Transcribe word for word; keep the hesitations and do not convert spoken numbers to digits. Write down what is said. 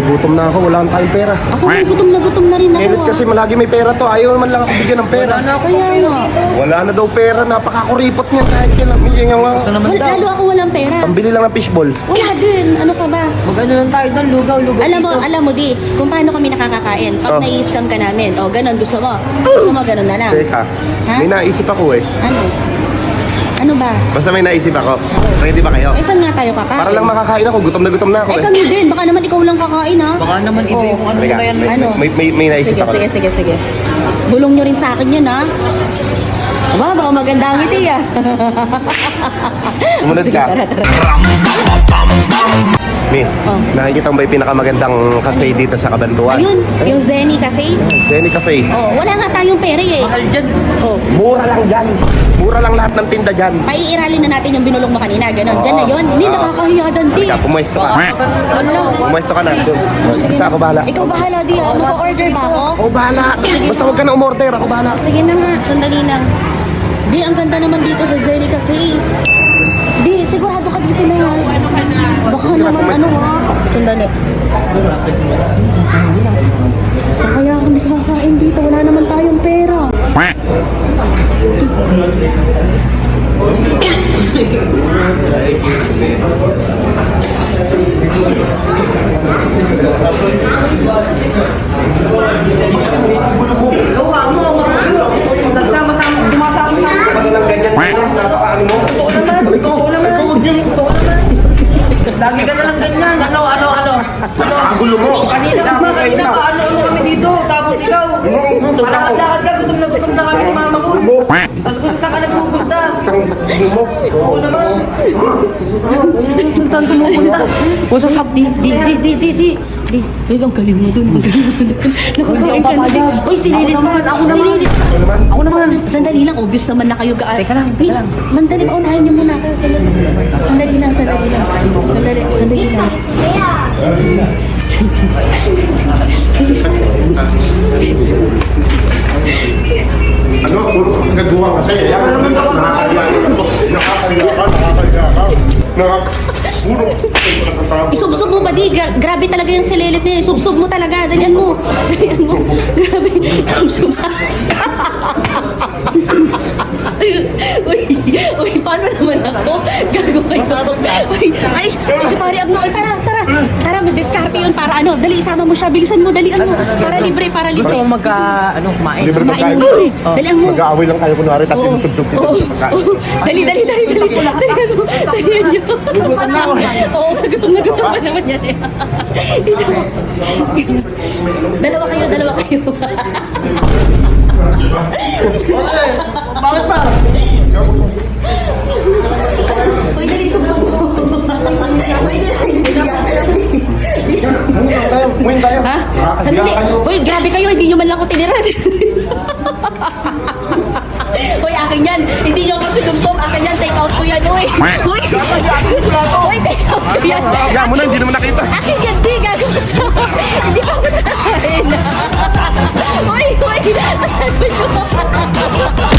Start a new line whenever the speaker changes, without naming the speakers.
Nagugutom na ako, wala tayong pera.
Ako na gutom na gutom na rin ako.
Edit kasi malagi may pera to. Ayaw naman lang ako bigyan ng pera.
Wala na ako yan.
Wala na daw pera. Napakakuripot niyan kahit kailan. Bigyan nga.
Wal, lalo ako walang pera.
Pambili lang ng fishball.
Wala din. Ano ka ba?
Mag-ano lang tayo doon, lugaw, lugaw.
Alam mo, alam mo di, kung paano kami nakakakain. Pag
Oh.
nai-scam ka namin, o ganun, gusto mo. Gusto mo, ganun na lang.
Teka,
Ha?
may naisip ako eh.
Ano? Ano ba?
Basta may naisip ako. Ready ba kayo?
Eh, saan nga tayo kakain?
Para lang makakain ako. Gutom na gutom na ako
Eh,
eh.
kami din. Baka naman ikaw lang kakain, ha?
Baka naman iba
Oh.
yung ano
Teka,
na yan.
may,
Ano?
may, may, may naisip
Sige,
ako.
sige, sige, sige. Bulong nyo rin sa akin yan, ha? Aba, baka maganda ang ngiti, ah.
Sumunod
Sige,
ka.
tara, tara.
Mi,
Oh.
nakikita mo ba yung pinakamagandang cafe dito sa Kabantuan?
Ayun, yung Zenny Cafe.
Zenny Cafe.
Oh, wala nga tayong pera, eh.
Mahal dyan.
Oh,
Mura lang dyan. Mura lang lahat ng tinda dyan.
paiiralin na natin yung binulong mo kanina, ganon. Diyan na yun. Hindi, nakakahiya doon, di.
Halika, pumuesto ka.
Wala.
Pumuesto ka na. Doon. Basta ako bahala.
Ikaw bahala, di, ha? Mag-order ba ako?
Ako bahala. Basta huwag ka na umorder. Ako bahala.
Sige na nga, sandali lang. Di, ang ganda naman dito sa Zenny Cafe. Di, sigurado ka dito na yan. Baka naman ano ha. Sandali. Saan kaya kami kakain dito? Wala naman tayong pera.
Gawa mo, nagsama-sama, sumasama-sama.
Ano lang ganyan? Sa pakaano mo?
Totoo naman.
Ikaw,
Totoo naman.
ikaw, huwag yun.
Totoo naman. Lagi ka na lang ganyan. Ano, ano, ano? Ano?
Ang gulo mo.
Kanina ka ba? Kanina ka? Ano, ano kami dito? Tapos ikaw. Malakad-lakad ka. Gutom na gutom na kami ni mama ko. Tapos kung saan ka nagpupunta?
Ang gulo mo.
Oo naman. Saan pumupunta? O sa sab, di, di, di, di, di, di. Di, ay, ang galing mo dun. Ang galing mo dun.
Nakakain ka na din. Uy, sililit pa.
Ako naman.
Sililit.
Ako naman.
Sandali lang, obvious naman na kayo ka.
Teka lang, teka
Please,
lang.
mandali, paunahin niyo muna ako. Sandali lang, sandali lang. Sandali, sandali lang.
Ano? Puro nagbuwang kasi. Yan naman ako. Nakakaliya ka. Nakakaliya ka. Nakakaliya ka. Nakakaliya
Isubsob mo ba di? Gra- grabe talaga yung sililit niya. Isubsob mo talaga. Dalian mo. Dalian mo. Grabe. Isubsob. Uy, uy, paano naman ako? Gago kayo. Uy, ay, si Pari Abno. Ay, tara, tara. Tara, mag-discarte yun para ano. Dali, isama mo siya. Bilisan mo, dalian mo. Para libre, para libre.
Gusto mo magka, ano, kumain?
Libre
Kumain
pagkain.
mo libre. Dalian mo.
Mag-aaway lang tayo kunwari tapos
Oo.
sinusubsub kita
Oo.
sa pagkain.
Oo. Dali, dali, dali, dali. Dalian mo. Dalian nyo. Oo, gutom na gutom pa naman yan. eh. Dito mo. Dalawa kayo, dalawa kayo.
Bakit ba?
Uy, dali, subsub mo. Uy, dali,
Muwin tayo. Muwin tayo.
Ha?
Nakakaliya
Sandali.
kayo.
Uy, grabe kayo. Hindi nyo man lang ako tiniran. Uy, akin yan. Hindi nyo ako sinubsob. Akin yan. Take out ko yan. Uy. Uy. Uy, take out ko yan.
Hiya mo na, hindi naman nakita.
Akin yan. Di, gago. Hindi pa ako nakakain. Uy, uy.